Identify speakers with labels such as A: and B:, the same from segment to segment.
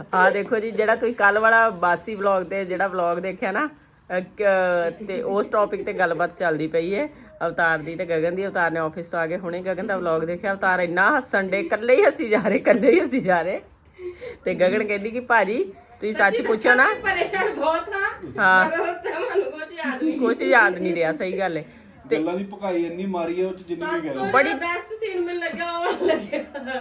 A: ਆ ਦੇਖੋ ਜੀ, ਜਿਹੜਾ ਤੁਸੀਂ ਕੱਲ ਵਾਲਾ ਬਾਸੀ ਵਲੌਗ ਤੇ ਜਿਹੜਾ ਵਲੌਗ ਦੇਖਿਆ ਨਾ, ਤੇ ਉਸ ਟੌਪਿਕ ਤੇ ਗੱਲਬਾਤ ਚੱਲਦੀ ਪਈ ਹੈ ਅਵਤਾਰ ਦੀ ਤੇ ਗਗਨ ਦੀ। ਅਵਤਾਰ ਨੇ ਆਫਿਸ ਤੋਂ ਆ ਕੇ ਹੁਣੇ ਗਗਨ ਦਾ ਵਲੌਗ ਦੇਖਿਆ। ਅਵਤਾਰ ਇੰਨਾ ਹੱਸਣ ਡੇ, ਇਕੱਲੇ ਹੀ ਹੱਸੀ ਜਾ ਰਹੇ ਤੇ ਗਗਨ ਕਹਿੰਦੀ ਕਿ ਭਾਜੀ ਤੁਸੀਂ ਸੱਚ ਪੁੱਛੋ ਨਾ,
B: ਪਰੇਸ਼ਾਨ ਬਹੁਤ
A: ਹਾਂ
B: ਪਰ ਉਸ ਟਾਈਮ ਮੈਨੂੰ
A: ਕੁਛ ਯਾਦ ਨਹੀਂ ਰਿਹਾ। ਸਹੀ ਗੱਲ ਹੈ। ਤੇ
C: ਗੱਲਾਂ ਦੀ ਭਕਾਈ ਇੰਨੀ ਮਾਰੀ ਹੈ ਉਹ ਚ ਜਿੰਨੀ ਵੀ ਕਹਿ ਲਓ।
B: ਬੜੀ ਬੈਸਟ ਸੀਨ ਮੈਨੂੰ ਲੱਗਿਆ ਉਹ ਲੱਗਿਆ।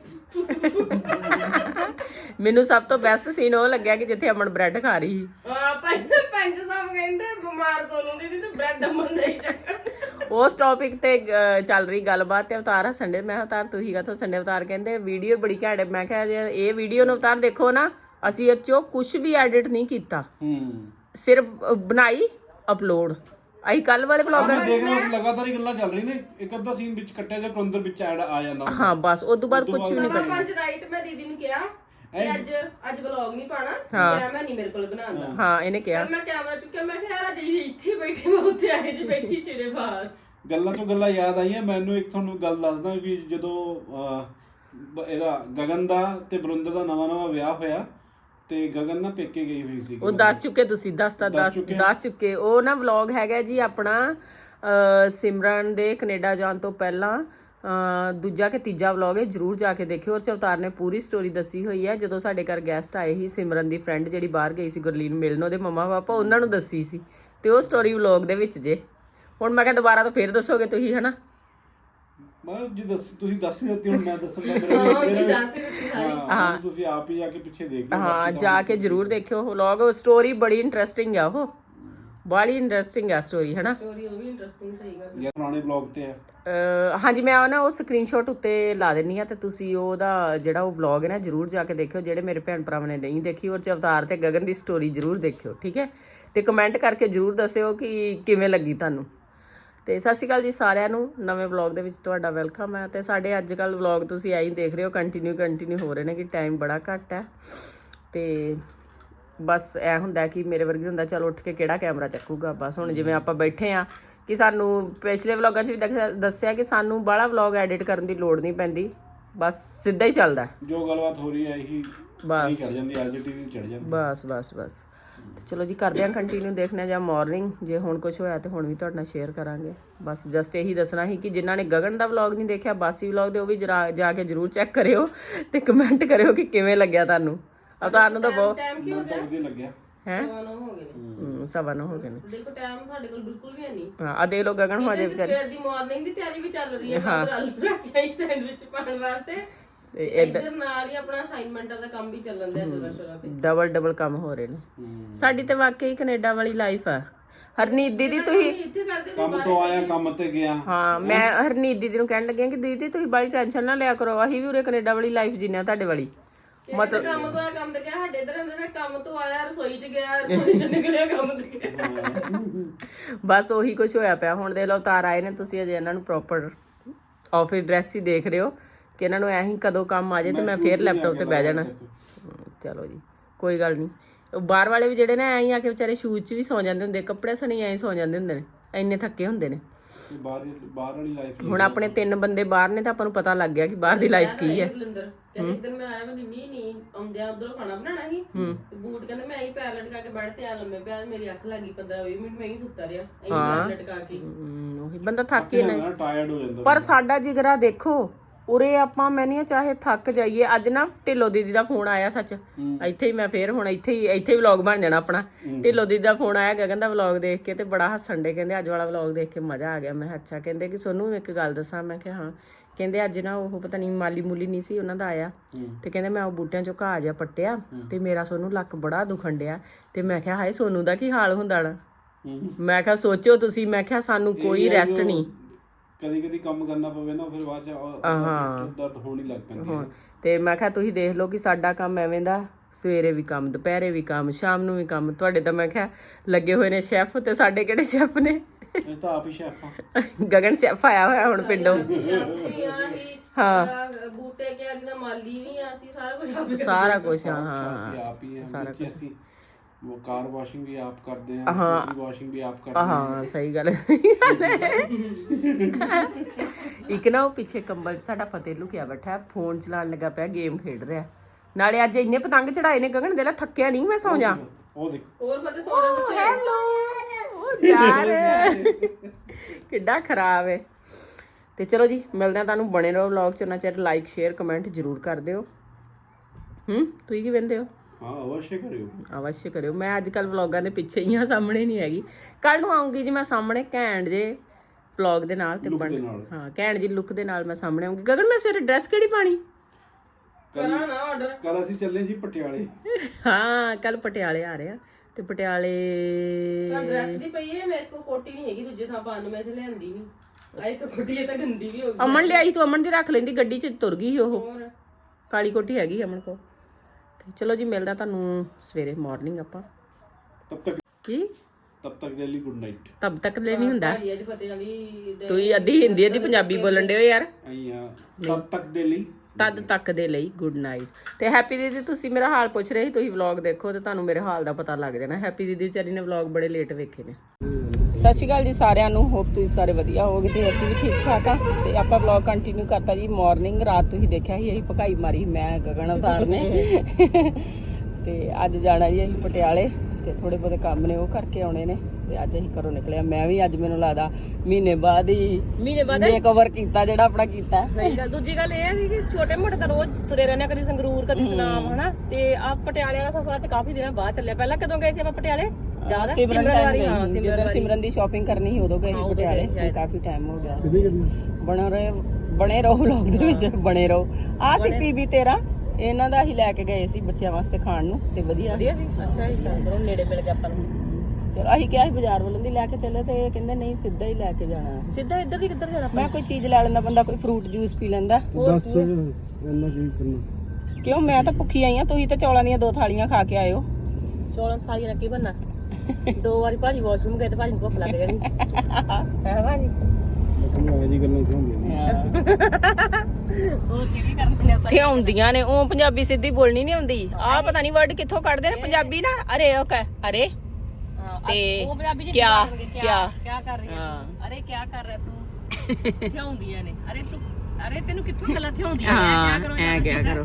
A: ਮੈਨੂੰ ਸਭ ਤੋਂ ਬੈਸਟ ਸੀਨ ਉਹ ਲੱਗਿਆ ਕਿ ਜਿੱਥੇ ਅਮਨ ਬ੍ਰੈਡ ਖਾ ਰਹੀ ਸੀ।
B: ਪੰਜ ਸਾਹਿਬ ਕਹਿੰਦੇ ਬਿਮਾਰ ਤੁਹਾਨੂੰ ਦੀ ਤੇ ਬ੍ਰੈਡ ਅਮਨ ਨਹੀਂ ਚੱਕਰ।
A: ਉਸ ਟੌਪਿਕ ਤੇ ਚੱਲ ਰਹੀ ਗੱਲਬਾਤ ਤੇ ਅਵਤਾਰ ਹੱਸਣ ਡੇ। ਮੈਂ ਕਿਹਾ ਅਵਤਾਰ ਤੁਸੀਂ ਕਾਹਤੋਂ ਹੱਸਣ ਡੇ? ਅਵਤਾਰ ਕਹਿੰਦੇ ਵੀਡੀਓ ਬੜੀ ਘੈਂਟ ਹੈ। ਮੈਂ ਕਿਹਾ ਜੇ ਇਹ ਵੀਡੀਓ ਨੂੰ ਅਵਤਾਰ ਦੇਖੋ ਨਾ, ਅਸੀਂ ਇਹ 'ਚੋਂ ਕੁਛ ਵੀ ਐਡਿਟ ਨਹੀਂ ਕੀਤਾ, ਸਿਰਫ ਬਣਾਈ ਅਪਲੋਡ। ਅਸੀਂ ਕੱਲ ਵਾਲੇ ਵਲੌਗ
C: ਦੇਖ ਰਹੇ ਹੋ ਲਗਾਤਾਰ ਹੀ ਗੱਲਾਂ ਚੱਲ ਰਹੀ ਨੇ। ਇੱਕ ਅੱਧਾ ਸੀਨ ਵਿੱਚ ਕੱਟਿਆ ਜਾਂ ਅੰਦਰ ਵਿੱਚ ਐਡ ਆ ਜਾਂਦਾ।
A: ਹਾਂ ਬਸ ਉਸ ਤੋਂ ਬਾਅਦ ਕੁਝ ਵੀ ਨਹੀਂ ਕਰਨਾ।
B: 5 ਰਾਈਟ ਮੈਂ ਦੀਦੀ ਨੂੰ ਕਿਹਾ ਕਿ ਅੱਜ ਵਲੌਗ ਨਹੀਂ ਪਾਣਾ, ਕੈਮਰਾ ਨਹੀਂ ਮੇਰੇ ਕੋਲ ਬਣਾਉਂਦਾ।
A: ਹਾਂ ਇਹਨੇ ਕਿਹਾ।
B: ਮੈਂ ਕੈਮਰਾ ਚੁੱਕਿਆ, ਮੈਂ ਕਿਹਾ ਯਾਰ ਦੀਦੀ ਇੱਥੇ ਬੈਠੇ, ਮੈਂ ਉੱਥੇ ਆਏ ਜੀ ਬੈਠੀ ਛਿੜੇ ਬਾਸ।
C: ਗੱਲਾਂ ਤੋਂ ਗੱਲਾਂ ਯਾਦ ਆਈਆਂ ਮੈਨੂੰ। ਇੱਕ ਤੁਹਾਨੂੰ ਗੱਲ ਦੱਸਦਾ ਵੀ ਜਦੋਂ ਇਹਦਾ ਗਗਨ ਦਾ ਤੇ ਬਰਿੰਦਰ ਦਾ ਨਵਾਂ ਵਿਆਹ ਹੋਇਆ ਤੇ ਗਗਨ ਨਾ ਪੇਕੇ ਗਈ ਹੋਈ ਸੀ।
A: ਉਹ ਦੱਸ ਚੁੱਕੇ ਤੁਸੀਂ, ਦੱਸ ਚੁੱਕੇ। ਉਹ ਨਾ ਵਲੌਗ ਹੈਗਾ ਜੀ ਆਪਣਾ ਸਿਮਰਨ ਦੇ ਕੈਨੇਡਾ ਜਾਣ ਤੋਂ ਪਹਿਲਾਂ ਦੂਜਾ ਕਿ ਤੀਜਾ ਵਲੌਗ ਹੈ, ਜਰੂਰ ਜਾ ਕੇ ਦੇਖਿਓ। ਔਰ ਅਵਤਾਰ ਨੇ ਪੂਰੀ ਸਟੋਰੀ ਦੱਸੀ ਹੋਈ ਹੈ। ਜਦੋਂ ਸਾਡੇ ਘਰ ਗੈਸਟ ਆਏ ਸੀ, ਸਿਮਰਨ ਦੀ ਫਰੈਂਡ ਜਿਹੜੀ ਬਾਹਰ ਗਈ ਸੀ ਗੁਰਲੀਨ ਮਿਲਣ, ਉਹਦੇ ਮੰਮਾ ਪਾਪਾ, ਉਹਨਾਂ ਨੂੰ ਦੱਸੀ ਸੀ ਤੇ ਉਹ ਸਟੋਰੀ ਵਲੌਗ ਦੇ ਵਿੱਚ ਜੇ। ਹੁਣ ਮੈਂ ਕਿਹਾ ਦੁਬਾਰਾ ਤੋਂ ਫੇਰ ਦੱਸੋਗੇ ਤੁਸੀਂ, ਹਨਾ?
C: ਮੈਂ ਜੀ ਤੁਸੀਂ ਦੱਸ ਹੀ ਦਿੱਤੀ, ਹੁਣ ਮੈਂ ਦੱਸਣਾ ਹਾਂ। ਤੁਸੀਂ ਆਪ ਹੀ ਜਾ ਕੇ ਪਿੱਛੇ ਦੇਖ ਲਓ।
A: ਹਾਂ ਜਾ ਕੇ ਜਰੂਰ ਦੇਖਿਓ ਵਲੌਗ। ਸਟੋਰੀ ਬੜੀ ਇੰਟਰਸਟਿੰਗ ਆ, ਉਹ ਬੜੀ ਇੰਟਰਸਟਿੰਗ ਆ ਸਟੋਰੀ, ਹਨਾ?
B: ਸਟੋਰੀ ਉਹ ਵੀ ਇੰਟਰਸਟਿੰਗ, ਸਹੀ ਗੱਲ।
C: ਇਹ ਪੁਰਾਣੇ ਵਲੌਗ ਤੇ ਹੈ।
A: ਹਾਂਜੀ ਮੈਂ ਉਹ ਨਾ ਉਹ ਸਕਰੀਨਸ਼ਾਟ ਉੱਤੇ ਲਾ ਦਿੰਨੀ ਆ ਤੇ ਤੁਸੀਂ ਉਹਦਾ ਜਿਹੜਾ ਉਹ ਵਲੌਗ ਹੈ ਨਾ ਜਰੂਰ ਜਾ ਕੇ ਦੇਖਿਓ, ਜਿਹੜੇ ਮੇਰੇ ਭੈਣ ਭਰਾਵਾਂ ਨੇ ਨਹੀਂ ਦੇਖੀ। ਔਰ ਅਵਤਾਰ ਤੇ ਗਗਨ ਦੀ ਸਟੋਰੀ ਜਰੂਰ ਦੇਖਿਓ, ਠੀਕ ਹੈ? ਤੇ ਕਮੈਂਟ ਕਰਕੇ ਜਰੂਰ ਦੱਸਿਓ ਕਿ ਕਿਵੇਂ ਲੱਗੀ ਤੁਹਾਨੂੰ। ਤੇ ਸਤਿ ਸ਼੍ਰੀ ਅਕਾਲ ਜੀ ਸਾਰਿਆਂ ਨੂੰ, ਨਵੇਂ ਵਲੌਗ ਦੇ ਵਿੱਚ ਤੁਹਾਡਾ ਵੈਲਕਮ ਹੈ। ਤੇ ਸਾਡੇ ਅੱਜ ਕੱਲ੍ਹ ਵਲੌਗ ਤੁਸੀਂ ਐਂ ਦੇਖ ਰਹੇ ਹੋ, ਕੰਟੀਨਿਊ ਹੋ ਰਹੇ ਨੇ ਕਿ ਟਾਈਮ ਬੜਾ ਘੱਟ ਹੈ। ਤੇ ਬਸ ਇਹ ਹੁੰਦਾ ਕਿ ਮੇਰੇ ਵਰਗੀ ਹੁੰਦਾ ਚਲ ਉੱਠ ਕੇ ਕਿਹੜਾ ਕੈਮਰਾ ਚੱਕੂਗਾ। ਬਸ ਹੁਣ ਜਿਵੇਂ ਆਪਾਂ ਬੈਠੇ ਆ ਕਿ ਸਾਨੂੰ ਪਿਛਲੇ ਵਲੌਗਾਂ 'ਚ ਵੀ ਦੱਸਿਆ ਕਿ ਸਾਨੂੰ ਬਾਹਲਾ ਵਲੌਗ ਐਡਿਟ ਕਰਨ ਦੀ ਲੋੜ ਨਹੀਂ ਪੈਂਦੀ, ਬਸ ਸਿੱਧਾ ਹੀ ਚੱਲਦਾ।
C: ਜੋ ਗੱਲਬਾਤ ਹੋ ਰਹੀ ਹੈ ਇਹੀ
A: ਬਸ
C: ਚੜ ਜਾਂਦੀ, ਅੱਜ ਟੀ ਚੜ ਜਾਂਦੀ।
A: ਬਸ ਚਲੋ ਜੀ ਕਰਦੇ ਹਾਂ ਕੰਟੀਨਿਊ ਦੇਖਣਾ ਜਾਂ ਮਾਰਨਿੰਗ। ਜੇ ਹੁਣ ਕੁਝ ਹੋਇਆ ਤੇ ਹੁਣ ਵੀ ਤੁਹਾਡੇ ਨਾਲ ਸ਼ੇਅਰ ਕਰਾਂਗੇ। ਬਸ ਜਸਟ ਇਹੀ ਦੱਸਣਾ ਸੀ ਕਿ ਜਿਨ੍ਹਾਂ ਨੇ ਗਗਨ ਦਾ ਵਲੌਗ ਨਹੀਂ ਦੇਖਿਆ, ਬਾਸੀ ਵਲੌਗ ਦੇ, ਉਹ ਵੀ ਜਾ ਕੇ ਜਰੂਰ ਚੈੱਕ ਕਰਿਓ ਤੇ ਕਮੈਂਟ ਕਰਿਓ ਕਿ ਕਿਵੇਂ ਲੱਗਿਆ ਤੁਹਾਨੂੰ। ਅਵਤਾਰ ਨੂੰ ਤਾਂ ਬਹੁਤ
B: ਟਾਈਮ ਕੀ ਹੋ ਗਿਆ?
C: ਵਧੀਆ ਲੱਗਿਆ
A: ਹੈ।
B: 9:15
A: ਹੋ ਗਏ ਨੇ।
B: ਦੇਖੋ ਟਾਈਮ ਸਾਡੇ ਕੋਲ ਬਿਲਕੁਲ ਵੀ ਨਹੀਂ।
A: ਹਾਂ ਆ ਦੇਖ ਲਓ ਗਗਨ ਹੋ ਜਾਏ ਵਿਚਾਰੀ।
B: ਸਵੇਰ ਦੀ ਮਾਰਨਿੰਗ ਦੀ ਤਿਆਰੀ ਵੀ ਚੱਲ ਰਹੀ ਹੈ। ਮੈਂ ਆਲੂ ਰੱਖਿਆ ਹੀ ਸੈਂਡਵਿਚ ਪਾਉਣ ਵਾਸਤੇ ਤੇ ਇੱਧਰ ਨਾਲ ਹੀ ਆਪਣਾ ਅਸਾਈਨਮੈਂਟਾਂ ਦਾ ਕੰਮ ਵੀ ਚੱਲਣ ਦਿਆ ਜਰਾ ਤੇ।
A: ਡਬਲ ਕੰਮ ਹੋ ਰਹੇ ਨੇ। ਸਾਡੀ ਤੇ ਵਾਕਈ ਕੈਨੇਡਾ ਵਾਲੀ ਲਾਈਫ ਆ। ਹਰਨੀਤ ਦੀਦੀ ਤੁਸੀਂ
B: ਇੱਥੇ ਕਰਦੇ
C: ਕੰਮ ਤੋਂ ਆਇਆ ਕੰਮ ਤੇ ਗਿਆ।
A: ਹਾਂ ਮੈਂ ਹਰਨੀਤ ਦੀਦੀ ਨੂੰ ਕਹਿਣ ਲੱਗੀ ਕਿ ਦੀਦੀ ਤੁਸੀਂ ਬੜੀ ਟੈਨਸ਼ਨ ਨਾ ਲਿਆ ਕਰੋ, ਅਸੀਂ ਵੀ ਉਰੇ ਕੈਨੇਡਾ ਵਾਲੀ ਲਾਈਫ ਜੀਨੇ ਆ ਤੁਹਾਡੇ ਵਾਲੀ।
B: ਮਤਲਬ ਕੰਮ ਤੋਂ ਆਇਆ ਕੰਮ ਤੇ ਗਿਆ, ਸਾਡੇ ਇਧਰ ਅੰਦਰ ਕੰਮ ਤੋਂ ਆਇਆ ਰਸੋਈ 'ਚ ਗਿਆ, ਰਸੋਈ 'ਚ ਨਿਕਲਿਆ ਕੰਮ ਤੇ ਗਿਆ।
A: ਬਸ ਉਹੀ ਕੁਝ ਹੋਇਆ ਪਿਆ। ਹੁਣ ਦੇਖ ਲਓ ਤਾਰ ਆਏ ਨੇ, ਤੁਸੀਂ ਅਜੇ ਇਹਨਾਂ ਨੂੰ ਪ੍ਰੋਪਰ ਆਫਿਸ ਡਰੈਸ ਹੀ ਦੇਖ ਰਹੇ ਹੋ ਕਿ ਇਹਨਾਂ ਨੂੰ ਐਂ ਕਦੋਂ ਕੰਮ ਆ ਜਾਏ ਤੇ ਮੈਂ ਫੇਰ ਲੈਪਟਾਪ ਤੇ ਬਹਿ ਜਾਣਾ। ਚਲੋ ਜੀ ਕੋਈ ਗੱਲ ਨਹੀਂ। ਬਾਹਰ ਵਾਲੇ ਵੀ ਜਿਹੜੇ ਨੇ ਐਂ ਆ ਕੇ ਵਿਚਾਰੇ ਸ਼ੂਜ਼ 'ਚ ਵੀ ਸੌ ਜਾਂਦੇ ਹੁੰਦੇ, ਕੱਪੜੇ ਸਣੀ ਐਂ ਸੌ ਜਾਂਦੇ ਹੁੰਦੇ ਨੇ, ਇੰਨੇ ਥੱਕੇ ਹੁੰਦੇ ਨੇ।
C: ਬਾਹਰ ਵਾਲੀ ਲਾਈਫ
A: ਹੁਣ ਆਪਣੇ 3 ਬੰਦੇ ਬਾਹਰ ਨੇ ਤਾਂ ਆਪਾਂ ਨੂੰ ਪਤਾ ਲੱਗ ਗਿਆ ਕਿ ਬਾਹਰ ਦੀ ਲਾਈਫ ਕੀ ਹੈ।
B: ਕਹਿੰਦੇ ਇੱਕ ਦਿਨ ਮੈਂ ਆਇਆ, ਮੈਂ ਨਹੀਂ ਆਉਂਦਿਆਂ ਉਧਰੋਂ ਖਾਣਾ ਬਣਾਉਣਾ ਸੀ ਤੇ ਬੂਟ ਕਹਿੰਦੇ ਮੈਂ ਹੀ ਪੈਰ ਲਟਕਾ ਕੇ ਬੈਠ ਤੇ ਆ ਲੰਮੇ ਪਿਆ, ਮੇਰੀ ਅੱਖ ਲੱਗੀ 15-20 ਮਿੰਟ ਮੈਂ ਹੀ ਸੁੱਤਾ ਰਿਹਾ ਪੈਰ ਲਟਕਾ ਕੇ।
A: ਉਹੀ ਬੰਦਾ ਥੱਕ ਹੀ ਨਾ,
C: ਟਾਇਰਡ ਹੋ ਜਾਂਦਾ।
A: ਪਰ ਸਾਡਾ ਜਿਗਰਾ ਦੇਖੋ ਉਰੇ ਆਪਾਂ ਮੈਨੇ ਚਾਹੇ ਥੱਕ ਜਾਈਏ। ਅੱਜ ਨਾ ਢਿੱਲੋ ਦੀਦੀ ਦਾ ਫੋਨ ਆਇਆ, ਸੱਚ ਇੱਥੇ ਹੀ ਮੈਂ ਫੇਰ ਹੁਣ ਇੱਥੇ ਹੀ ਵਲੌਗ ਬਣ ਜਾਣਾ ਆਪਣਾ। ਢਿੱਲੋ ਦੀਦੀ ਦਾ ਫੋਨ ਆਇਆ ਗਗਨ ਦਾ ਵਲੌਗ ਦੇਖ ਕੇ ਤੇ ਬੜਾ ਹੱਸਣ ਡੇ, ਕਹਿੰਦੇ ਅੱਜ ਵਾਲਾ ਵਲੌਗ ਦੇਖ ਕੇ ਮਜ਼ਾ ਆ ਗਿਆ। ਮੈਂ ਅੱਛਾ। ਕਹਿੰਦੇ ਕਿ ਸੋਨੂੰ ਇੱਕ ਗੱਲ ਦੱਸਾਂ? ਮੈਂ ਕਿਹਾ ਹਾਂ। ਕਹਿੰਦੇ ਅੱਜ ਨਾ ਉਹ ਪਤਾ ਨਹੀਂ ਮਾਲੀ ਮੂਲੀ ਨਹੀਂ ਸੀ ਉਹਨਾਂ ਦਾ ਆਇਆ ਤੇ ਕਹਿੰਦੇ ਮੈਂ ਉਹ ਬੂਟਿਆਂ ਚੋਂ ਘਾਹ ਜਿਹਾ ਪੱਟਿਆ ਤੇ ਮੇਰਾ ਸੋਨੂੰ ਲੱਕ ਬੜਾ ਦੁਖਣ ਡਿਆ। ਤੇ ਮੈਂ ਕਿਹਾ ਹਾਏ ਸੋਨੂੰ ਦਾ ਕੀ ਹਾਲ ਹੁੰਦਾ ਨਾ। ਮੈਂ ਕਿਹਾ ਸੋਚੋ ਤੁਸੀਂ, ਮੈਂ ਕਿਹਾ ਸਾਨੂੰ ਕੋਈ ਰੈਸਟ ਨਹੀਂ।
C: ਕਦੀ ਕੰਮ ਕਰਨਾ ਪਵੇ ਨਾ ਫਿਰ ਬਾਅਦ ਚ ਦਰਦ ਹੋਣ ਹੀ ਲੱਗ ਪੈਂਦੀ ਹੈ।
A: ਤੇ ਮੈਂ ਕਿਹਾ ਤੁਸੀਂ ਦੇਖ ਲਓ ਕਿ ਸਾਡਾ ਕੰਮ ਐਵੇਂ ਦਾ, ਸਵੇਰੇ ਵੀ ਕੰਮ, ਦੁਪਹਿਰੇ ਵੀ ਕੰਮ, ਸ਼ਾਮ ਨੂੰ ਵੀ ਕੰਮ। ਤੁਹਾਡੇ ਤਾਂ ਮੈਂ ਕਿਹਾ ਲੱਗੇ ਹੋਏ ਨੇ ਸ਼ੈਫ, ਤੇ ਸਾਡੇ ਕਿਹੜੇ ਸ਼ੈਫ ਨੇ?
C: ਇਹ ਤਾਂ ਆਪ ਹੀ ਸ਼ੈਫ ਆ।
A: ਗਗਨ ਸ਼ੈਫ ਆਇਆ ਹੋਇਆ ਹੁਣ ਪਿੰਡੋਂ।
B: ਹਾਂ ਬੂਟੇ ਕਿਆਰੀ ਦਾ ਮਾਲੀ ਵੀ ਆ, ਅਸੀਂ ਸਾਰਾ ਕੁਝ ਆਪ
A: ਸਾਰਾ ਕੁਝ ਹਾਂ
C: ਆਪ ਹੀ ਸਾਰਾ ਕੁਝ। वो कार वॉशिंग भी आप करते हैं, वॉशिंग भी आप करते हैं।
A: ਹਾਂ ਸਹੀ ਗੱਲ ਹੈ। ਇੱਕ ਨਾ ਉਹ ਪਿੱਛੇ ਕੰਬਲ 'ਚ ਸਾਡਾ ਫਤਿਹ ਲੁਕਿਆ ਬੈਠਾ, ਫੋਨ ਚਲਾਉਣ ਲੱਗਾ ਪਿਆ, ਗੇਮ ਖੇਡ ਰਿਹਾ। ਨਾਲੇ ਅੱਜ ਇੰਨੇ ਪਤੰਗ ਚੜਾਏ ਨੇ ਗਗਨ ਦੇ ਲਾ ਥੱਕਿਆ ਨਹੀਂ ਮੈਂ ਸੌ ਜਾ
C: ਉਹ ਦੇਖ
B: ਹੋਰ ਫਤੇ ਸੋਨਾ ਬੱਚੇ
A: ਹੈਲੋ ਉਹ ਯਾਰ ਕਿੱਡਾ ਖਰਾਬ ਹੈ। ਤੇ ਚਲੋ ਜੀ ਮਿਲਦੇ ਆ ਤੁਹਾਨੂੰ, ਬਣੇ ਰਹੋ ਵਲੌਗ 'ਚ, ਉਹਨਾਂ ਚਿਰ ਲਾਈਕ ਸ਼ੇਅਰ ਕਮੈਂਟ ਜ਼ਰੂਰ ਕਰ ਦਿਓ। ਤੁਸੀਂ ਕੀ ਕਹਿੰਦੇ ਹੋ?
C: ਹਾਂ ਅਵශ්य ਕਰਿਓ,
A: ਅਵශ්य ਕਰਿਓ। ਮੈਂ ਅੱਜ ਕੱਲ ਵਲੌਗਾਂ ਦੇ ਪਿੱਛੇ ਹੀ ਆ, ਸਾਹਮਣੇ ਨਹੀਂ ਹੈਗੀ। ਕੱਲ ਨੂੰ ਆਉਂਗੀ ਜੀ ਮੈਂ ਸਾਹਮਣੇ ਘੈਂਟ ਜੇ ਵਲੌਗ ਦੇ ਨਾਲ ਤੇ ਹਾਂ ਘੈਂਟ ਜੀ ਲੁੱਕ ਦੇ ਨਾਲ ਮੈਂ ਸਾਹਮਣੇ ਆਉਂਗੀ। ਗਗਨ ਮੈਂ ਸਵੇਰੇ ਡਰੈਸ ਕਿਹੜੀ ਪਾਣੀ?
B: ਕਰਾਂ ਨਾ ਆਰਡਰ।
C: ਕੱਲ ਅਸੀਂ ਚੱਲੇ ਜੀ ਪਟਿਆਲੇ।
A: ਹਾਂ ਕੱਲ ਪਟਿਆਲੇ ਆ ਰਹੇ ਆ ਤੇ ਪਟਿਆਲੇ
B: ਤਾਂ ਡਰੈਸ ਦੀ ਪਈ ਹੈ ਮੇਰੇ ਕੋਲ, ਕੋਟੀ ਨਹੀਂ ਹੈਗੀ ਦੂਜੇ ਥਾਂ ਪਾਉਣ ਨੂੰ, ਮੈਂ ਇੱਥੇ ਲਿਆਂਦੀ ਨਹੀਂ। ਆ ਇੱਕ ਕੋਟੀ ਇਹ ਤਾਂ ਗੰਦੀ ਵੀ ਹੋ ਗਈ।
A: ਅਮਨ ਲਿਆਈ ਤੂੰ, ਅਮਨ ਦੀ ਰੱਖ ਲੈਂਦੀ, ਗੱਡੀ 'ਚ ਤੁਰ ਗਈ ਉਹ।
B: ਹੋਰ
A: ਕਾਲੀ ਕੋਟੀ ਹੈਗੀ ਅਮਨ ਕੋ। ਤੇ ਚਲੋ ਜੀ ਮਿਲਦਾ ਤੁਹਾਨੂੰ ਸਵੇਰੇ ਮਾਰਨਿੰਗ ਆਪਾਂ।
C: ਤਬ ਤੱਕ ਦੇ ਲਈ ਗੁੱਡ ਨਾਈਟ।
A: ਤਬ ਤੱਕ ਲੈ ਨਹੀਂ ਹੁੰਦਾ।
B: ਭਾਈ ਅੱਜ ਫਤਿਹ ਵਾਲੀ ਦੇ
A: ਤੁਸੀਂ ਅੱਧੀ ਹਿੰਦੀ ਅੱਧੀ ਪੰਜਾਬੀ ਬੋਲਣ ਡਿਓ ਯਾਰ।
C: ਆਈਆਂ ਤਬ ਤੱਕ ਦੇ ਲਈ,
A: ਤਦ ਤੱਕ ਦੇ ਲਈ ਗੁੱਡ ਨਾਈਟ। ਤੇ ਹੈਪੀ ਦੀਦੀ ਤੁਸੀਂ ਮੇਰਾ ਹਾਲ ਪੁੱਛ ਰਹੇ ਸੀ, ਤੁਸੀਂ ਵਲੌਗ ਦੇਖੋ ਤੇ ਤੁਹਾਨੂੰ ਮੇਰੇ ਹਾਲ ਦਾ ਪਤਾ ਲੱਗ ਜਾਣਾ। ਹੈਪੀ ਦੀਦੀ ਵਿਚਾਰੀ ਨੇ ਵਲੌਗ ਬੜੇ ਲੇਟ ਵੇਖੇ ਨੇ। ਸਤਿ ਸ਼੍ਰੀ ਅਕਾਲ ਜੀ ਸਾਰਿਆਂ ਨੂੰ, ਹੋਪ ਤੁਸੀਂ ਸਾਰੇ ਵਧੀਆ ਹੋਗੇ ਤੇ ਅਸੀਂ ਵੀ ਠੀਕ ਠਾਕ ਆ। ਤੇ ਆਪਾਂ ਵਲੌਗ ਕੰਟੀਨਿਊ ਕਰਤਾ ਜੀ। ਮਾਰਨਿੰਗ ਰਾਤ ਤੁਸੀਂ ਦੇਖਿਆ ਸੀ ਅਸੀਂ ਭਕਾਈ ਮਾਰੀ ਮੈਂ ਗਗਨ ਅਵਤਾਰ ਨੇ ਤੇ ਅੱਜ ਜਾਣਾ ਜੀ ਅਸੀਂ ਪਟਿਆਲੇ ਤੇ ਥੋੜੇ ਬਹੁਤੇ ਕੰਮ ਨੇ ਉਹ ਕਰਕੇ ਆਉਣੇ ਨੇ ਤੇ ਅੱਜ ਅਸੀਂ ਘਰੋਂ ਨਿਕਲਿਆ। ਮੈਂ ਵੀ ਅੱਜ ਮੈਨੂੰ ਲੱਗਦਾ ਮਹੀਨੇ ਬਾਅਦ ਮੇਕਓਵਰ ਕੀਤਾ ਜਿਹੜਾ ਆਪਣਾ ਕੀਤਾ।
D: ਸਹੀ ਗੱਲ। ਦੂਜੀ ਗੱਲ ਇਹ ਹੈ ਕਿ ਛੋਟੇ ਮੋਟੇ ਤਾਂ ਰੋਜ਼ ਤੁਰੇ ਰਹਿੰਦੇ, ਕਦੀ ਸੰਗਰੂਰ ਕਦੀ ਸੁਨਾਮ ਹਨਾ। ਤੇ ਆ ਪਟਿਆਲੇ ਵਾਲਾ ਸਫ਼ਰ ਅੱਜ ਕਾਫੀ ਦਿਨਾਂ ਬਾਅਦ ਚੱਲਿਆ। ਪਹਿਲਾਂ ਕਦੋਂ ਗਏ ਸੀ ਆਪਾਂ ਪਟਿਆਲੇ? ਜ਼ਿਆਦਾ
A: ਜਦੋਂ ਸਿਮਰਨ ਦੀ ਸ਼ਾਪਿੰਗ ਕਰਨੀ ਸੀ ਉਦੋਂ ਗਏ ਸੀ ਪਟਿਆਲੇ। ਕਾਫੀ ਟਾਈਮ ਹੋ ਗਿਆ। ਬਣੇ ਰਹੋ ਵਲੌਗ ਦੇ ਵਿੱਚ, ਬਣੇ ਰਹੋ। ਆ ਸੀ ਪੀਬੀ 13 ਇਹਨਾਂ ਦਾ ਹੀ ਲੈ ਕੇ ਗਏ ਸੀ ਬੱਚਿਆਂ ਵਾਸਤੇ ਖਾਣ ਨੂੰ ਤੇ ਵਧੀਆ
D: ਸੀ। ਅੱਛਾ ਜੀ, ਚਲੋ ਨੇੜੇ ਮਿਲ ਗਿਆ ਆਪਾਂ ਨੂੰ।
A: ਚਲੋ ਅਸੀਂ ਕਿਹਾ ਸੀ ਬਾਜ਼ਾਰ ਵੱਲੋਂ ਦੀ ਲੈ ਕੇ ਚੱਲੇ ਤੇ ਇਹ ਕਹਿੰਦੇ ਨਹੀਂ ਸਿੱਧਾ ਹੀ ਲੈ ਕੇ ਜਾਣਾ।
D: ਸਿੱਧਾ ਇੱਧਰ ਦੀ ਕਿੱਧਰ ਜਾਣਾ?
A: ਮੈਂ ਕੋਈ ਚੀਜ਼ ਲੈ ਲੈਂਦਾ, ਬੰਦਾ ਕੋਈ ਫਰੂਟ ਜੂਸ ਪੀ ਲੈਂਦਾ। ਕਿਉਂ ਮੈਂ ਤਾਂ ਭੁੱਖੀ ਆਈ ਆ, ਤੁਸੀਂ ਤਾਂ ਚੌਲਾਂ ਦੀਆਂ 2 ਥਾਲੀਆਂ ਖਾ ਕੇ ਆਇਓ।
D: ਚੌਲਾਂ ਥਾਲੀਆਂ ਨਾਲ ਕੀ ਬਣਨਾ? 2 ਵਾਰੀ ਭਾਜੀ ਵਾਸ਼ਰੂਮ ਗਏ ਤੇ ਭਾਜੀ ਨੂੰ ਭੁੱਖ ਲੱਗ ਜਾਣੀ ਹੈ ਭਾਜੀ। ਹੋਰ ਕੀ ਕਰਦੇ ਆਪਾਂ?
A: ਇੱਥੇ ਆਉਂਦੀਆਂ ਨੇ ਉਹ ਪੰਜਾਬੀ ਸਿੱਧੀ ਬੋਲਣੀ ਨਹੀਂ ਆਉਂਦੀ। ਆਹ ਪਤਾ ਨਹੀਂ ਵਰਡ ਕਿੱਥੋਂ ਕੱਢਦੇ ਨੇ ਪੰਜਾਬੀ ਨਾ। ਅਰੇ ਉਹ ਕਹ ਅਰੇ ਤੇ
D: ਉਹ ਪੰਜਾਬੀ ਚ
A: ਕਿਆ
D: ਕਰ ਰਹੀ ਹੈ? ਅਰੇ ਕੀ ਕਰ ਰਿਹਾ ਤੂੰ? ਕਿਉਂ ਹੁੰਦੀਆਂ ਨੇ? ਅਰੇ ਤੂੰ, ਅਰੇ ਤੈਨੂੰ ਕਿੱਥੋਂ ਗੱਲਾਂ ਥਿਆਉਂਦੀਆਂ ਨੇ?
A: ਐ ਕਿਆ ਕਰੋ।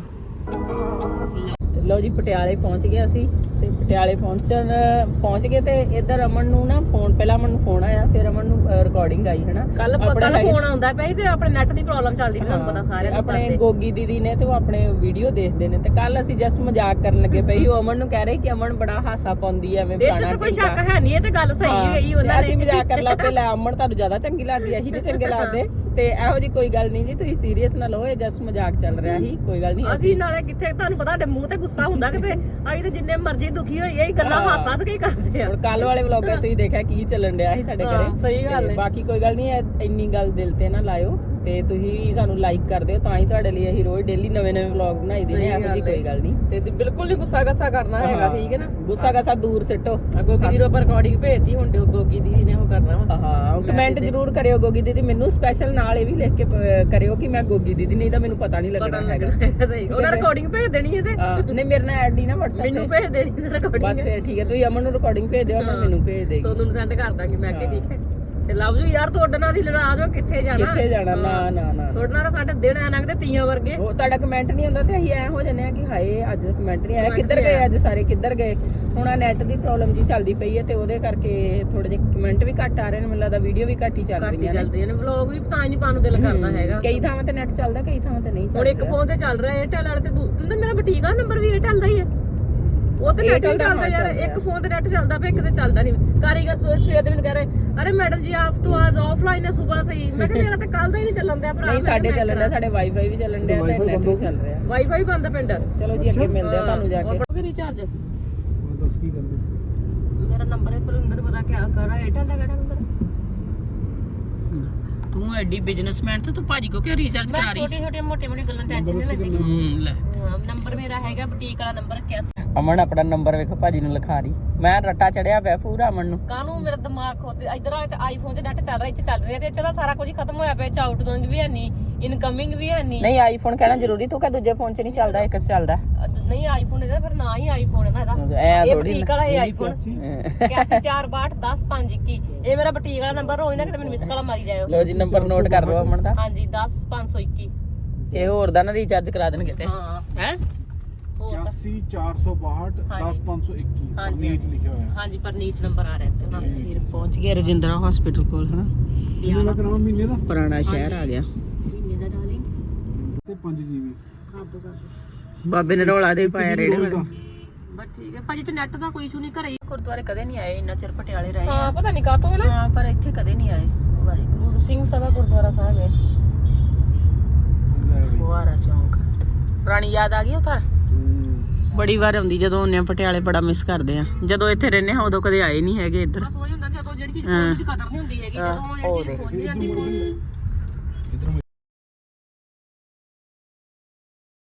A: ਤੇ ਲੋ ਜੀ ਪਟਿਆਲੇ ਪਹੁੰਚ ਗਏ ਅਸੀਂ ਤੇ ਪਟਿਆਲੇ ਪਹੁੰਚ ਗਏ ਤੇ ਇੱਧਰ ਅਮਨ ਨੂੰ ਨਾ ਫੋਨ, ਪਹਿਲਾਂ ਅਮਨ ਨੂੰ ਫੋਨ ਆਇਆ ਫਿਰ ਅਮਨ ਨੂੰ ਰਿਕਾਰਡਿੰਗ ਆਈ ਹਨਾ।
D: ਕੱਲ ਫੋਨ ਆਉਂਦਾ ਪਿਆ ਤੇ ਆਪਣੇ ਨੈਟ ਦੀ ਪ੍ਰੋਬਲਮ ਚੱਲਦੀ ਪਈ, ਤੁਹਾਨੂੰ ਪਤਾ ਸਾਰਿਆਂ ਨੂੰ।
A: ਆਪਣੇ ਗੋਗੀ ਦੀਦੀ ਨੇ ਤੇ ਉਹ ਆਪਣੇ ਵੀਡੀਓ ਦੇਖਦੇ ਨੇ ਤੇ ਕੱਲ ਅਸੀਂ ਜਸਟ ਮਜ਼ਾਕ ਕਰਨ ਲੱਗੇ ਪਈ। ਉਹ ਅਮਨ ਨੂੰ ਕਹਿ ਰਹੇ ਕਿ ਅਮਨ ਬੜਾ ਹਾਸਾ ਪਾਉਂਦੀ ਐ ਐਵੇਂ
D: ਫਲਾਣਾ। ਤੇ ਕੋਈ ਸ਼ੱਕ ਹੈ ਨਹੀਂ, ਇਹ ਤੇ ਗੱਲ ਸਹੀ ਗਈ ਉਹਨਾਂ ਨੇ।
A: ਅਸੀਂ ਮਜ਼ਾਕ ਕਰਨ ਲੱਗ ਪਏ, ਲੈ ਅਮਨ ਤੁਹਾਨੂੰ ਜ਼ਿਆਦਾ ਚੰਗੀ ਲੱਗਦੀ, ਅਸੀਂ ਨੀ ਚੰਗੇ ਲੱਗਦੇ। ਤੇ ਇਹੋ ਜੀ ਕੋਈ ਗੱਲ ਨਹੀਂ ਜੀ, ਤੁਸੀਂ ਸੀਰੀਅਸ ਨਾ ਲਓ, ਇਹ ਜਸਟ ਮਜ਼ਾਕ ਚੱਲ ਰਿਹਾ ਸੀ, ਕੋਈ ਗੱਲ ਨਹੀਂ।
D: ਅਸੀਂ ਨਾਲੇ ਕਿੱਥੇ, ਤੁਹਾਨੂੰ ਪਤਾ ਸਾਡੇ ਮੂੰਹ ਤੇ ਗੁੱਸਾ ਹੁੰਦਾ ਕਿਤੇ, ਅਸੀਂ ਤੇ ਜਿੰਨੇ ਮਰਜ਼ੀ ਦੁਖੀ ਹੋਈਏ ਇਹ ਗੱਲਾਂ ਹਾਸ-ਹਾਸ ਕੇ ਹੀ ਕਰਦੇ ਆ।
A: ਹੁਣ ਕੱਲ ਵਾਲੇ ਵਲੌਗਾਂ ਤੁਸੀਂ ਦੇਖਿਆ ਕੀ ਚੱਲਣ ਡਿਆ ਸੀ ਸਾਡੇ ਘਰੇ।
D: ਸਹੀ ਗੱਲ ਹੈ।
A: ਬਾਕੀ ਕੋਈ ਗੱਲ ਨਹੀਂ, ਇੰਨੀ ਗੱਲ ਦਿਲ ਤੇ ਨਾ ਲਾਇਓ ਤੇ ਤੁਸੀਂ ਸਾਨੂੰ ਲਾਈਕ ਕਰ ਦਿਓ, ਤਾਂ ਹੀ ਤੁਹਾਡੇ ਲਈ ਅਸੀਂ ਰੋਜ਼ ਡੇਲੀ ਨਵੇਂ ਵਲੌਗ ਬਣਾਈ ਦੇ ਨੇ। ਇਹੋ ਜੀ ਕੋਈ ਗੱਲ ਨਹੀਂ
D: ਤੇ ਬਿਲਕੁਲ ਨਹੀਂ ਗੁੱਸਾ ਗੱਸਾ ਕਰਨਾ ਹੈਗਾ, ਠੀਕ ਹੈ ਨਾ?
A: ਗੁੱਸਾ ਗੱਸਾ ਦੂਰ ਸਿੱਟੋ।
D: ਗੋਗੀ ਦੀ ਰੋਪਰ ਰਿਕਾਰਡਿੰਗ ਭੇਜਤੀ, ਹੁਣ ਗੋਗੀ ਦੀਦੀ ਨੇ ਉਹ ਕਰਨਾ ਵਾ।
A: ਹਾਂ ਕਮੈਂਟ ਜ਼ਰੂਰ ਕਰਿਓ ਗੋਗੀ ਦੀਦੀ, ਮੈਨੂੰ ਸਪੈਸ਼ਲ ਨਾਲ ਇਹ ਵੀ ਲਿਖ ਕੇ ਕਰਿਓ ਕਿ ਮੈਂ ਗੋਗੀ ਦੀਦੀ, ਨਹੀਂ ਤਾਂ ਮੈਨੂੰ ਪਤਾ ਨਹੀਂ ਲੱਗਣਾ ਹੈਗਾ।
D: ਸਹੀ, ਉਹਦਾ ਰਿਕਾਰਡਿੰਗ ਭੇਜ ਦੇਣੀ ਹੈ ਤੇ
A: ਨਹੀਂ ਮੇਰੇ ਨਾਲ ਐਡ ਨਹੀਂ ਨਾ WhatsApp
D: ਮੈਨੂੰ ਭੇਜ ਦੇਣੀ ਰਿਕਾਰਡਿੰਗ।
A: ਬਸ ਫਿਰ ਠੀਕ ਹੈ, ਤੁਸੀਂ ਅਮਨ ਨੂੰ ਰਿਕਾਰਡਿੰਗ ਭੇਜ ਦਿਓ, ਅਮਨ ਮੈਨੂੰ ਭੇਜ ਦੇਗੀ।
D: ਸੋਨੂੰ ਨੂੰ ਸੈਂਡ ਕਰ ਦਾਂਗੇ ਮੈਂ ਕਿ ਠੀਕ ਹੈ। ਤੇ ਲਵ ਯੂ ਯਾਰ, ਤੁਹਾਡੇ ਨਾਲ ਹੀ ਲੜਾ ਜੋ, ਕਿੱਥੇ ਜਾਣਾ
A: ਨਾ
D: ਤੁਹਾਡੇ ਨਾਲ ਸਾਡੇ ਦਿਨ ਐ ਲੰਘਦੇ ਤੀਆਂ ਵਰਗੇ।
A: ਉਹ ਤੁਹਾਡਾ ਕਮੈਂਟ ਨਹੀਂ ਆਉਂਦਾ ਤੇ ਅਸੀਂ ਐ ਹੋ ਜਾਂਦੇ ਆ ਕਿ ਹਾਏ ਅੱਜ ਕਮੈਂਟ ਨਹੀਂ ਆਇਆ, ਕਿੱਧਰ ਗਏ ਅੱਜ ਸਾਰੇ, ਕਿੱਧਰ ਗਏ। ਹੁਣ ਆ ਨੈਟ ਦੀ ਪ੍ਰੋਬਲਮ ਜੀ ਚੱਲਦੀ ਪਈ ਹੈ ਤੇ ਉਹਦੇ ਕਰਕੇ ਥੋੜੇ ਜਿਹੇ ਕਮੈਂਟ ਵੀ ਘੱਟ ਆ ਰਹੇ ਨੇ, ਮੈਨੂੰ ਲੱਗਦਾ ਵੀਡੀਓ ਵੀ ਘੱਟ ਹੀ ਚੱਲ ਰਹੀਆਂ
D: ਨੇ। ਵਲੌਗ ਵੀ ਪਤਾ ਨਹੀਂ ਪਾਉਣ ਨੂੰ ਦਿਲ ਕਰਦਾ ਹੈਗਾ।
A: ਕਈ ਥਾਵਾਂ ਤੇ ਨੈਟ ਚੱਲਦਾ, ਕਈ ਥਾਵਾਂ ਤੇ ਨਹੀਂ ਚੱਲਦਾ।
D: ਹੁਣ ਇੱਕ ਫੋਨ ਤੇ ਚੱਲ ਰਿਹਾ ਏਅਰਟੈਲ ਵਾਲੇ ਤੇ ਮੇਰਾ ਬੁਟੀਕ ਦਾ ਨੰਬਰ ਵੀ ਏਅਰਟੈਲ ਦਾ ਹੀ ਹੈ। ਉਹ ਤੇ ਨੈਟ ਚੱਲਦਾ ਯਾਰ, ਇੱਕ ਫੋਨ ਤੇ ਨੈਟ ਚੱਲਦਾ ਪਿਆ, ਇੱਕ ਤੇ ਚੱਲਦਾ ਨਹੀਂ। ਕਾਰੀਗਰ ਸਵੇਰ ਦੇ ਮੈਨੂੰ ਕਹਿ ਰਹੇ ਅਰੇ ਮੈਡਮ ਜੀ ਆਪ ਤੋਂ ਆਜ ਆਫਲਾਈਨ ਹੈ ਸੁਬਹ ਸੇ ਹੀ। ਮੈਂ ਕਿਹਾ ਮੇਰਾ ਤਾਂ ਕੱਲ ਦਾ ਹੀ ਨਹੀਂ ਚੱਲਣ ਦਿਆ ਭਰਾ।
A: ਨਹੀਂ ਸਾਡੇ ਚੱਲਣ ਡਿਆ, ਸਾਡੇ ਵਾਈਫਾਈ ਵੀ ਚੱਲਣ ਡਿਆ ਤੇ ਨੈਟ ਵੀ ਚੱਲ ਰਿਹਾ।
D: ਵਾਈਫਾਈ ਬੰਦ ਪਿੰਡ।
A: ਚਲੋ ਜੀ ਅੱਗੇ ਮਿਲਦੇ ਆ ਤੁਹਾਨੂੰ ਜਾ ਕੇ।
D: ਕਰੋਗੇ ਰੀਚਾਰਜ? ਮੇਰਾ ਨੰਬਰ ਹੈ ਕੁਲਿੰਦਰ, ਪਤਾ ਕਿਆ ਕਰਾ ਏਅਰਟੈਲ ਦਾ ਕਿਹੜਾ ਨੰਬਰ?
A: ਤੂੰ ਐਡੀ ਬਿਜ਼ਨਸਮੈਨ ਤੇ ਤੂੰ ਭਾਜੀ ਕੋ ਕਿਉਂ ਰੀਚਾਰਜ ਕਰਾ ਰਹੀ?
D: ਛੋਟੀਆਂ ਮੋਟੀਆਂ ਗੱਲਾਂ ਟੈਨਸ਼ਨ ਨਹੀਂ ਲੈਂਦੀ।
A: ਲੈ
D: ਨੰਬਰ ਮੇਰਾ ਹੈਗਾ ਬੁਟੀਕ ਵਾਲਾ ਨੰਬਰ 81।
A: ਅਮਨ ਆਪਣਾ ਨੰਬਰ ਵੇਖੋ ਭਾਜੀ ਨੂੰ ਲਿਖਾ ਰਹੀ। ਮੈਂ ਰੱਟਾ ਚੜਿਆ ਪਿਆ ਪੂਰਾ ਅਮਨ ਨੂੰ।
D: ਕਾਹਨੂੰ ਮੇਰਾ ਦਿਮਾਗ ਖੋਤੇ ਇਧਰ ਵਾਲੇ ਤੇ ਆਈਫੋਨ ਤੇ ਨੈਟ ਚੱਲ ਰਿਹਾ, ਇੱਥੇ ਚੱਲ ਰਿਹਾ ਤੇ ਇੱਥੇ ਦਾ ਸਾਰਾ ਕੁਝ ਖਤਮ ਹੋਇਆ ਪਿਆ। ਆਊਟਗੋਇੰਗ ਵੀ ਹੈ ਨਹੀਂ, ਇਨਕਮਿੰਗ ਵੀ ਹੈ ਨਹੀਂ।
A: ਨਹੀਂ ਆਈਫੋਨ ਕਹਿਣਾ ਜ਼ਰੂਰੀ, ਤੂੰ ਕਹ ਦੂਜੇ ਫੋਨ 'ਚ ਨਹੀਂ ਚੱਲਦਾ, ਇੱਕ 'ਚ ਚੱਲਦਾ।
D: ਨਹੀਂ ਆਈਫੋਨ ਇਹਦਾ ਫਿਰ ਨਾ ਹੀ ਆਈਫੋਨ ਹੈ ਨਾ ਇਹਦਾ।
A: ਐ
D: ਇਹ ਬੁਟੀਕ ਵਾਲਾ ਇਹ ਆਈਫੋਨ 8142100521। ਇਹ ਮੇਰਾ ਬੁਟੀਕ ਵਾਲਾ ਨੰਬਰ ਹੋਈ ਨਾ ਕਿਤੇ ਮੈਨੂੰ ਮਿਸ ਕਾਲ ਮਾਰੀ ਜਾਇਓ।
A: ਲੋ ਜੀ ਨੰਬਰ ਨੋਟ ਕਰ ਲਓ ਅਮਨ ਦਾ।
D: ਹਾਂਜੀ 10521।
A: ਇਹ ਹੋਰ ਦਾ ਨਾ ਰੀਚਾਰਜ ਕਰਾ ਦੇਣਗੇ ਤੇ
D: ਹਾਂ
A: ਹੈ
C: 81462 10521
D: ਹਾਂਜੀ,
C: ਨੀਟ ਲਿਖਿਆ ਹੋਇਆ
D: ਹਾਂਜੀ ਪਰਨੀਤ ਨੰਬਰ ਆ ਰਿਹਾ ਤੇ ਉਹਨਾਂ ਦਾ
A: ਫਿਰ ਪਹੁੰਚ ਗਏ ਰਜਿੰਦਰਾ ਹਸਪੀਟਲ ਕੋਲ ਹਨਾ
C: ਕਿੰਨੇ ਦਾ ਕਰਾਉਣਾ ਮਹੀਨੇ ਦਾ
A: ਪੁਰਾਣਾ ਸ਼ਹਿਰ ਆ ਗਿਆ
D: ਮਹੀਨੇ ਦਾ ਡਾਲਿੰਗ
C: ਤੇ 5 GB
D: ਕਾਬੂ ਕਰ
A: ਬਾਬੇ ਨੇ ਰੌਲਾ ਦੇ ਪਾਇਆ ਰੇੜੇ ਵਾਲੇ
D: ਬਸ ਠੀਕ ਹੈ ਭਾਜੀ ਤੇ ਨੈਟ ਦਾ ਕੋਈ ਇਸ਼ੂ ਨਹੀਂ ਘਰੇ
A: ਗੁਰਦੁਆਰੇ ਕਦੇ ਨਹੀਂ ਆਏ ਇੰਨਾ ਚਿਰ ਪਟਿਆਲੇ ਰਹੇ
D: ਹਾਂ ਪਤਾ ਨਹੀਂ ਕਾਤੋਂ ਹੈ ਨਾ
A: ਹਾਂ ਪਰ ਇੱਥੇ ਕਦੇ ਨਹੀਂ ਆਏ ਵਾਹਿਗੁਰੂ
D: ਸਿੰਘ ਸਭਾ ਗੁਰਦੁਆਰਾ ਸਾਹਿਬ ਹੈ
A: ਫੁਆਰਾ ਚੌਂਕ ਪੁਰਾਣੀ ਯਾਦ ਆ ਗਈ ਉਤਾਰ ਬੜੀ ਵਾਰ ਆਉਂਦੀ ਜਦੋਂ ਆਉਂਦੇ ਆ ਪਟਿਆਲੇ ਬੜਾ ਮਿਸ ਕਰਦੇ ਆ ਜਦੋਂ ਇੱਥੇ ਰਹਿੰਦੇ ਆ ਉਦੋਂ ਕਦੇ ਆਏ ਨਹੀਂ ਹੈਗੇ ਇੱਧਰ
D: ਬਸ ਉਹੀ ਹੁੰਦਾ ਜਦੋਂ ਜਿਹੜੀ ਚੀਜ਼ ਕੋਈ ਦੀ ਕਦਰ ਨਹੀਂ ਹੁੰਦੀ ਹੈਗੀ ਜਦੋਂ ਜਿਹੜੀ ਚੀਜ਼ ਪਹੁੰਚ ਜਾਂਦੀ